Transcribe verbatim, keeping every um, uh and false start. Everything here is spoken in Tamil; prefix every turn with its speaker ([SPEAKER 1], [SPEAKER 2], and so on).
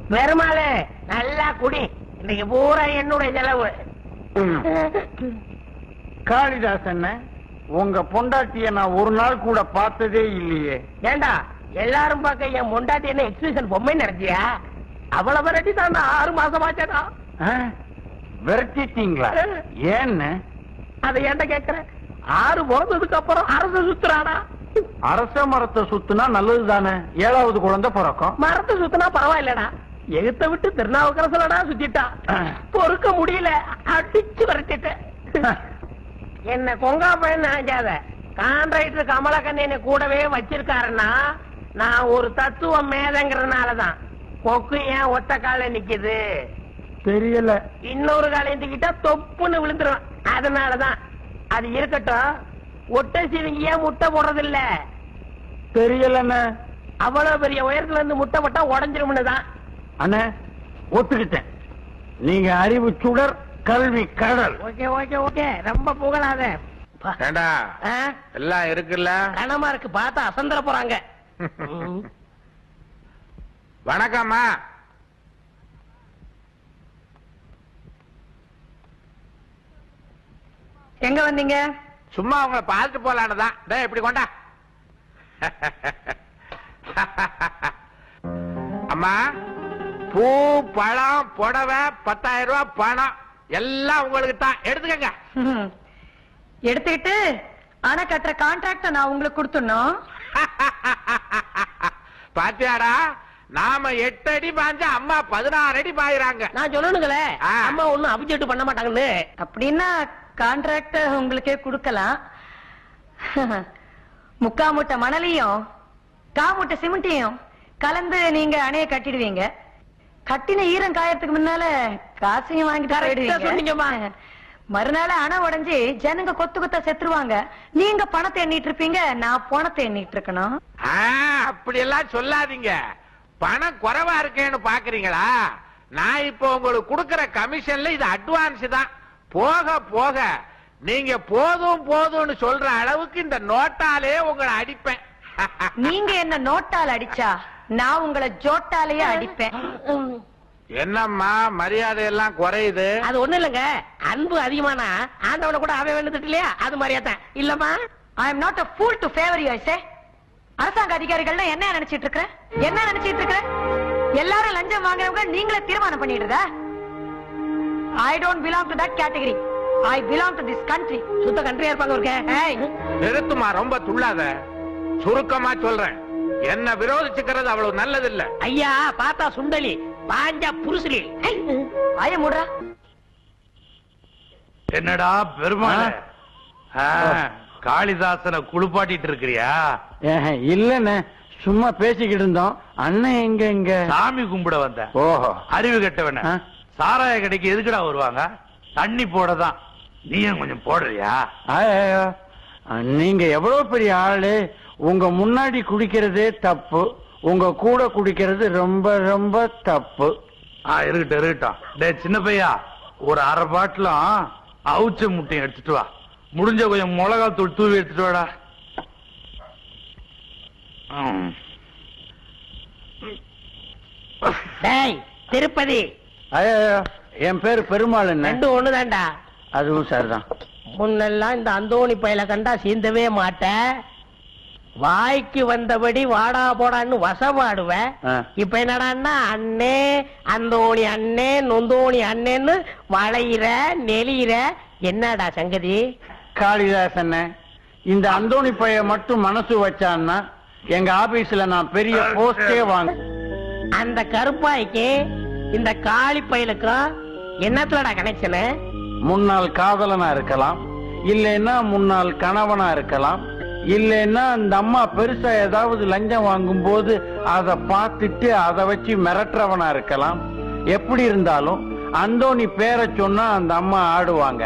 [SPEAKER 1] பெருமாளே நல்லா குடி, இன்னைக்கு பூரா என்னுடைய செலவு.
[SPEAKER 2] காளிதாசன், உங்க பொண்டாட்டிய நான் ஒரு நாள் கூட பார்த்ததே இல்லையே.
[SPEAKER 1] ஏண்டா எல்லாரும் பார்க்க என் பொண்டாட்டி என்ன எக்ஸிபிஷன் பொம்மை நடத்தியா? அவ்வளவு விரட்டி தான் ஆறு மாசம் ஆச்சடா.
[SPEAKER 2] விரட்டிட்டீங்களா? ஏன்னு
[SPEAKER 1] அதை ஏன்டா கேக்குறேன்? ஆறு பிறந்ததுக்கு அப்புறம் அரசு சுத்துறானா?
[SPEAKER 2] அரச மரத்தை சுத்துனா நல்லது தானே, ஏழாவது குழந்தை பிறக்கும்.
[SPEAKER 1] மரத்தை சுத்தினா பரவாயில்லடா, எகுத்த விட்டு திருநாவுக்கரசலடா சுத்திட்டா, பொறுக்க முடியல, அடிச்சு விரட்டிட்டேன். என்ன கொங்கா பையன் நினைக்காத, கான்ட்ராக்டர் கமலக்கண்ணனை கூடவே வச்சிருக்காருன்னா நான் ஒரு தத்துவ மேதங்கிறதுனாலதான். கொக்கு ஏன் ஒத்த கால நிக்குது
[SPEAKER 2] தெரியல,
[SPEAKER 1] இன்னொரு கால எந்திக்கிட்டா தொப்புன்னு விழுந்துரும், அதனாலதான். அது இருக்கட்டும், ஒட்டை சிவிங்கி ஏன் முட்டை போடுறது இல்ல?
[SPEAKER 2] தெரியலண்ணே.
[SPEAKER 1] அவ்வளவு பெரிய உயரத்துல இருந்து முட்டை போட்டா உடஞ்சிரும்னு தான்.
[SPEAKER 2] அண்ணே ஒத்துக்கிட்டேன், நீங்க அறிவு சுடர், கல்வி கடல்.
[SPEAKER 1] ஓகே ஓகே ஓகே, ரொம்ப புகழாத.
[SPEAKER 3] எல்லாம் இருக்குல்ல,
[SPEAKER 1] கனமா இருக்கு, பார்த்தா அசந்தர போறாங்க.
[SPEAKER 3] வணக்கம்மா.
[SPEAKER 4] எங்க வந்தீங்க?
[SPEAKER 3] சும்மா உங்களை பார்த்துட்டு போலான்னுதான். டேய் இப்படி கொண்டா. அம்மா, பூ பழம் புடவை பத்தாயிரம் ரூபாய் பணம் எல்லாம் உங்களுக்கு தான், எடுத்துக்கங்க.
[SPEAKER 4] எடுத்துக்கிட்டு ஆனா கட்டுற கான்ட்ராக்ட நான் உங்களுக்கு கொடுத்துடணும்.
[SPEAKER 3] பாத்தியாடா, நாம எட்டு அடி பாஞ்சா அம்மா பதினாறு அடி பாயிறாங்க.
[SPEAKER 1] நான் சொல்லணுங்களே, அம்மா ஒண்ணும் அபிஜெக்ட் பண்ண மாட்டாங்கன்னு.
[SPEAKER 4] அப்படின்னா கான்ட்ராக்ட உங்களுக்கே கொடுக்கலாம். முக்கா மூட்டை மணலையும் கா மூட்டை சிமெண்டையும் கலந்து நீங்க அணைய கட்டிடுவீங்க. கட்டின ஈரம் காயறதுக்கு முன்னால காசையும் வாங்கிட்டு போயிடுவீங்க. மறுநாள் அணை உடைஞ்சு ஜனங்க கொத்து கொத்தா செத்துருவாங்க. நீங்க பணத்தை எண்ணிட்டு இருப்பீங்க, நான் பணத்தை எண்ணிட்டு இருக்கணும்.
[SPEAKER 3] அப்படி எல்லாம் சொல்லாதீங்க. பணம் குறைவா இருக்கேன்னு பாக்குறீங்களா? நான் இப்போ உங்களுக்கு கொடுக்கற கமிஷன்ல இது அட்வான்ஸ் தான். போக போக நீங்க போதும் போதும்னு சொல்ற அளவுக்கு இந்த நோட்டாலே உங்களை அடிப்பேன்.
[SPEAKER 4] நீங்க என்ன நோட்டால் அடிச்சா நான் உங்களை ஜோட்டாலேயே அடிப்பேன்.
[SPEAKER 3] என்னம்மா மரியாதை எல்லாம் குறையுது?
[SPEAKER 1] அது ஒண்ணு இல்லங்க, அன்பு அதிகமானா ஆண்டவனை கூட அவன் வேண்டுட்டு இல்லையா, அது மாதிரியாதான். இல்லம்மா,
[SPEAKER 4] I am not a fool to favor you, I say. அரசாங்க அதிகாரிகள் என்ன நினைச்சிட்டு இருக்க? என்ன நினைச்சிட்டு இருக்க? எல்லாரும் லஞ்சம் வாங்குறவங்க நீங்களே தீர்மானம் பண்ணிடுறதா? I don't belong to that category. I belong to this country.
[SPEAKER 1] சுத்த கண்ட்ரியா இருப்பாங்க இருக்க.
[SPEAKER 3] நிறுத்துமா, ரொம்ப துள்ளாத. சுருக்கமா சொல்றேன், என்ன விரோதிச்சுக்கிறது அவ்வளவு நல்லது இல்ல.
[SPEAKER 1] ஐயா பார்த்தா சுண்டலி, பாஞ்சா புருசுலி.
[SPEAKER 4] ஆய மூடுறா.
[SPEAKER 5] என்னடா பெருமாள், காளிதாசனை குளிப்பாட்டிட்டு இருக்கிறியா?
[SPEAKER 2] இல்லன்னு சும்மா பேசிக்கிட்டு இருந்தோம். அண்ணன் எங்க எங்க
[SPEAKER 5] சாமி கும்பிட வந்த.
[SPEAKER 2] ஓஹோ,
[SPEAKER 5] அறிவு கெட்டவன. சாராய கடைக்கு எதுக்குடா வருவாங்க? தண்ணி போடதான். நீயும் கொஞ்சம் போடுறியா?
[SPEAKER 2] நீங்க எவ்வளவு பெரிய ஆளு, உங்க முன்னாடி குடிக்கிறதே தப்பு, உங்க கூட குடிக்கிறது ரொம்ப ரொம்ப தப்பு.
[SPEAKER 5] இருக்கட்டும் இருக்கட்டும். டே சின்ன பையா, ஒரு அரை பாட்டிலும் அவுச்ச முட்டையும் எடுத்துட்டு வா. முடிஞ்ச கொஞ்சம் மிளகா தூள் தூவி எடுத்துட்டு வாடா.
[SPEAKER 1] திருப்பதி.
[SPEAKER 2] என் பேரு பெருமாள்.
[SPEAKER 1] ரெண்டு ஒண்ணுதான்டா.
[SPEAKER 2] அதுவும் சரிதான்.
[SPEAKER 1] முன்னெல்லாம் இந்த அந்தோணி பையல கண்டா சீந்தவே மாட்டேன், வாய்க்கு வந்தபடி வாடா போடான்னு வசமாடுவேன். இப்ப என்னடான்னா அண்ணே அந்தோணி அண்ணே நொந்தோணி அண்ணேன்னு வளையிற நெளியிற. என்னடா சங்கதி?
[SPEAKER 2] காளிதாசன், இந்த அந்தோணி பைய மட்டும் மனசு வச்சான்னா எங்க ஆபீஸ்ல நான் பெரிய போஸ்டே வாங்க.
[SPEAKER 1] அந்த கருப்பாய்க்கு இந்த காளி பையலுக்கும் என்னத்துலடா கனெக்ஷனு?
[SPEAKER 2] முன்னாள் காதலனா இருக்கலாம், இல்லைன்னா முன்னாள் கணவனா இருக்கலாம், இல்லைன்னா அந்த அம்மா பெருசா ஏதாவது லஞ்சம் வாங்கும் போது அதை பார்த்துட்டு அதை வச்சு மிரட்டுறவனா இருக்கலாம். எப்படி இருந்தாலும் அந்தோணி பேரை சொன்னா அந்த அம்மா ஆடுவாங்க.